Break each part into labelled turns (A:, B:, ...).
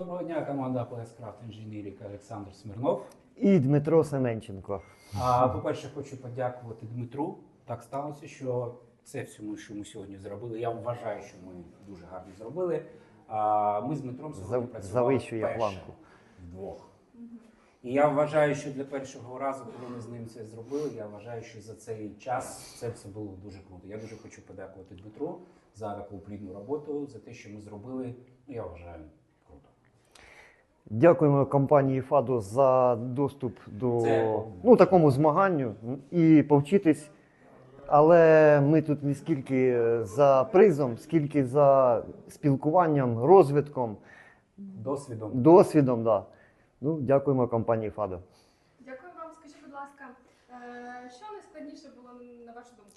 A: Доброго дня, команда PS Craft Engineering, Олександр Смірнов.
B: І Дмитро Семенченко.
A: По-перше, хочу подякувати Дмитру. Так сталося, що це все, що ми сьогодні зробили. Я вважаю, що ми дуже гарно зробили. Ми з Дмитром сьогодні працювали
B: Завищує
A: вперше
B: планку.
A: вдвох. І я вважаю, що для першого разу, коли ми з ним це зробили, я вважаю, що за цей час це все було дуже круто. Я дуже хочу подякувати Дмитру за таку плідну роботу, за те, що ми зробили, я вважаю, круто.
B: Дякуємо компанії ФАДО за доступ до
A: Це-
B: такому змаганню і повчитись. Але ми тут не скільки за призом, скільки за спілкуванням, розвитком, досвідом. Да. Дякуємо компанії ФАДО.
C: Дякую вам. Скажіть, будь ласка, що найскладніше було на вашу думку?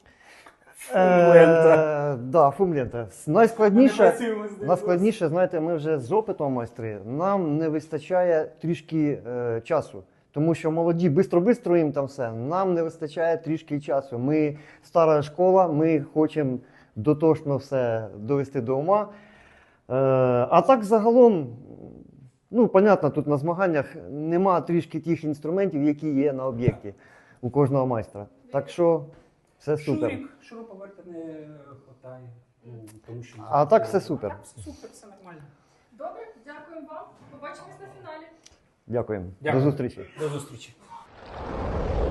B: Фумлента. Найскладніше, знаєте, ми вже з опитом майстри, нам не вистачає трішки часу. Тому що молоді бистро їм там все, нам не вистачає трішки часу. Ми стара школа, ми хочемо дотошно все довести до ума. А так загалом, понятно, тут на змаганнях нема трішки тих інструментів, які є на об'єкті у кожного майстра. Так що все супер.
A: Шуруповерта не вистачає. Тому що...
B: А так все супер.
A: Так, все супер, все нормально.
C: Добре, дякуємо вам. Побачимось на фіналі.
B: Дякуємо.
A: Дякую.
B: До зустрічі.
A: До зустрічі.